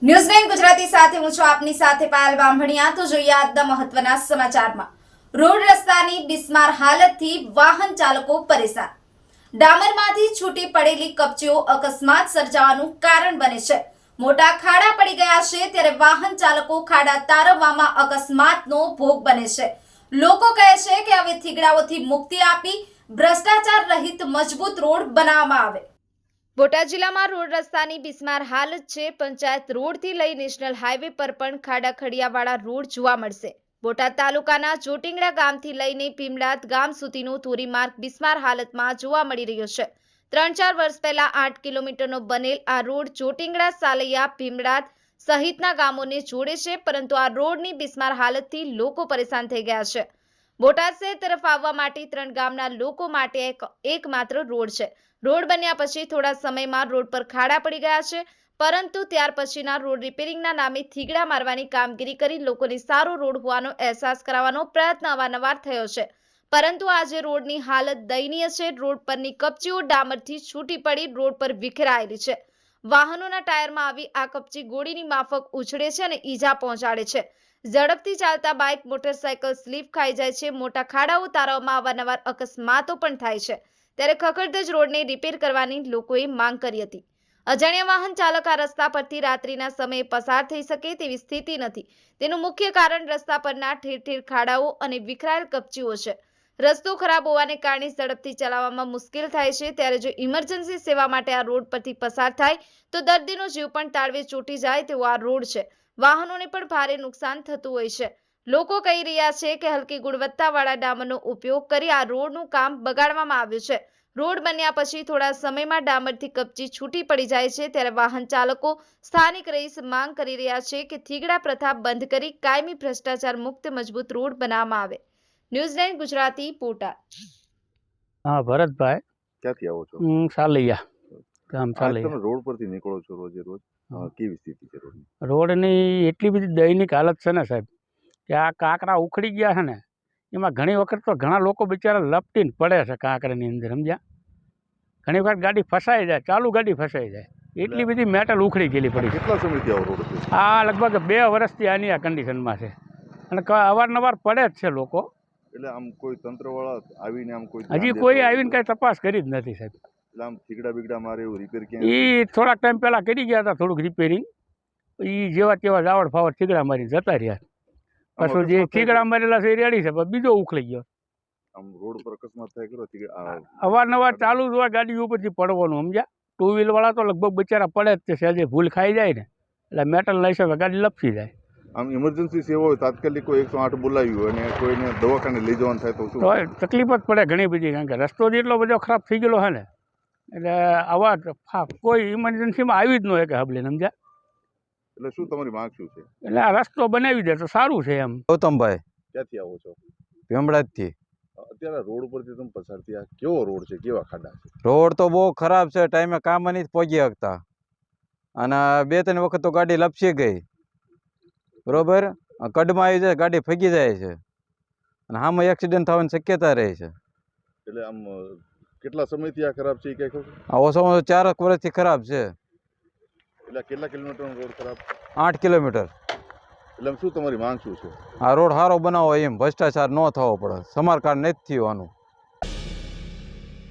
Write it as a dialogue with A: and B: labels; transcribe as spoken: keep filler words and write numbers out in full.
A: News nine Gujarati સાથે હું છું આપની સાથે પાયલ બામણિયા। તો જોઈએ આજના મહત્વના સમાચારમાં। રોડ રસ્તાની બિસ્માર હાલતથી વાહન ચાલકો પરેશાન। ડામરમાંથી છૂટી પડેલી કપચીઓ અકસ્માત સર્જાવાનું કારણ બને છે। મોટા ખાડા પડી ગયા છે ત્યારે વાહન ચાલકો ખાડા તારવવામાં અકસ્માતનો ભોગ બને છે। લોકો કહે છે કે હવે થીગડાઓથી મુક્તિ આપી ભ્રષ્ટાચાર રહિત મજબૂત રોડ બનાવવામાં આવે। બોટાદ જિલ્લામાં રોડ રસ્તાની બિસ્માર હાલત છે। પંચાયત રોડથી લઈ નેશનલ હાઈવે પર પણ ખાડા ખડિયાવાળા રોડ જોવા મળશે। બોટાદ તાલુકાના ચોટીંગડા ગામથી લઈને ભીમડાદ ગામ સુધીનો ધોરીમાર્ગ બિસ્માર હાલતમાં જોવા મળી રહ્યો છે। ત્રણ ચાર વર્ષ પહેલા આઠ કિલોમીટરનો બનેલ આ રોડ ચોટીંગડા સાલૈયા ભીમડાદ સહિતના ગામોને જોડે છે, પરંતુ આ રોડની બિસ્માર હાલતથી લોકો પરેશાન થઈ ગયા છે। બોટાદ શહેર તરફ આવવા માટે ત્રણ ગામના લોકો માટે એક એકમાત્ર રોડ છે। રોડ બન્યા પછી થોડા સમયમાં રોડ પર ખાડા પડી ગયા છે, પરંતુ ત્યાર પછીના રોડ રિપેરિંગના નામે થીગડા મારવાની કામગીરી કરી લોકોને સારો રોડ હોવાનો અહેસાસ કરાવવાનો પ્રયત્ન અવારનવાર થયો છે, પરંતુ આજે રોડની હાલત દયનીય છે। રોડ પરની કપચીઓ ડામરથી છૂટી પડી રોડ પર વિખેરાયેલી છે। વાહનોના ટાયરમાં આવી આ કપચી ગોળીની માફક ઉછળે છે અને ઈજા પહોંચાડે છે। ઝડપથી ચાલતા બાઇક મોટરસાયકલ સ્લીપ ખાઈ જાય છે। મોટા ખાડાઓ તારવવામાં અવારનવાર અકસ્માતો પણ થાય છે, ત્યારે ખખડધજ રોડને રિપેર કરવાની લોકોએ માંગ કરી હતી। અજાણ્યા વાહન ચાલક આ રસ્તા પરથી રાત્રિના સમયે પસાર થઈ શકે તેવી સ્થિતિ નથી। તેનું મુખ્ય કારણ રસ્તા પરના ઠેર ઠેર ખાડાઓ અને વિખરાયેલ કપચીઓ છે। રસ્તો ખરાબ હોવાને કારણે ઝડપથી ચલાવવામાં મુશ્કેલ થાય છે, ત્યારે જો ઇમરજન્સી સેવા માટે આ રોડ પરથી પસાર થાય તો દર્દીનો જીવ પણ તાળવે ચોંટી જાય તેવો આ રોડ છે। વાહનોને પણ ભારે નુકસાન થતું હોય છે। લોકો કહી રહ્યા છે કે હલકી ગુણવત્તાવાળા ડામરનો ઉપયોગ કરી આ રોડનું કામ બગાડવામાં આવ્યું છે। રોડ બન્યા પછી થોડા સમયમાં ડામરથી કપચી છૂટી પડી જાય છે, ત્યારે વાહન ચાલકો સ્થાનિક રહીશ માંગ કરી રહ્યા છે કે થીગડા પ્રથા બંધ કરી કાયમી ભ્રષ્ટાચાર મુક્ત મજબૂત રોડ બનાવવામાં આવે। News nine Gujarati Botad.
B: હા, ભરતભાઈ
C: ક્યાંથી આવો છો?
B: હું સાલૈયા ગામ
C: આજ
B: સાલૈયા।
C: તમે રોડ પરથી નીકળો છો રોજે રોજ, અ, કેવી સ્થિતિ છે રોડની?
B: રોડની એટલી બધી દયનીક હાલત છે ને સાહેબ, કે આ કાંકરા ઉખડી ગયા છે ને, એમાં ઘણી વખત તો ઘણા લોકો બિચારા લપટીને પડે છે કાંકરાની અંદર, સમજ્યા? ઘણી વખત ગાડી ફસાઈ જાય, ચાલુ ગાડી ફસાઈ જાય, એટલી બધી મેટલ ઉખડી ગયેલી પડી છે।
C: કેટલા સમયથી આવો રોડ છે?
B: આ લગભગ બે વર્ષથી આની આ કન્ડિશનમાં છે અને ક- અવારનવાર પડે જ છે લોકો।
C: એટલે આમ કોઈ તંત્રવાળા આવીને આમ કોઈ
B: હજી કોઈ આવીને કાંઈ તપાસ કરી જ નથી સાહેબ।
C: એટલે આમ થીગડા બીગડા મારે એવું રિપેર ક્યાં?
B: એ થોડાક ટાઈમ પહેલાં કરી ગયા હતા થોડુંક રિપેરિંગ, એ જેવા તેવા જાવડ ફાવડ થીગડા મારીને જતા રહ્યા। પાછું જે થીગડા મારેલા છે એ રેડી છે, પણ બીજો ઉખડી ગયો।
C: આમ રોડ પર અકસ્માત થાય ખરો? થીગડા
B: અવારનવાર ચાલુ જ હોય ગાડી ઉપરથી પડવાનું, સમજ્યા? ટુ વ્હીલ વાળા તો લગભગ બિચારા પડે જ છે, સહેજે ભૂલ ખાઈ જાય ને એટલે મેટલ લઈ શકે ગાડી લપસી જાય।
C: આમ ઇમરજન્સી સેવા હોય તાત્કાલિક કોઈ એકસો આઠ બોલાવ્યું હોય અને કોઈને દવાખાને લઈ જવાનું થાય તો શું?
B: તો તકલીફ જ પડે ઘણી બધી, કારણ કે રસ્તો જ એટલો બધો ખરાબ થઈ ગયેલો છે ને, એટલે આવા ફા- કોઈ ઇમરજન્સીમાં આવી જ ન હોય કે હબલે, સમજ્યા?
C: એટલે શું તમારી માંગ શું છે?
B: એટલે આ રસ્તો બનાવી દે તો સારું છે એમ।
D: ગૌતમભાઈ
C: ક્યાંથી આવો છો?
D: ભીમડાદથી।
C: અત્યારે રોડ પરથી તમે પસાર થયા, કેવો રોડ છે, કેવા ખાડા છે?
D: રોડ તો બહુ ખરાબ છે, ટાઈમે કામ નથી પહોંચી શકતા અને બે ત્રણ વખત તો ગાડી લપસી ગઈ, બરોબર? કડમાં આવી જાય ગાડી ફગી જાય છે અને આમાં એક્સિડન્ટ થવાની શક્યતા રહે છે।
C: એટલે આમ અ, કેટલા સમયથી આ ખરાબ છે એ કઈ ખબર?
D: આ ઓછામાં ઓછું ચારક વર્ષથી ખરાબ છે,
C: એટલે કેટલા કિલોમીટરનો રોડ ખરાબ?
D: આઠ કિલોમીટર।
C: એટલે આમ શું તમારી માંગ શું છે?
D: આ રોડ સારો બનાવો, એમ ભ્રષ્ટાચાર ન થવો પડે, સમારકામ નથી થયું આનું।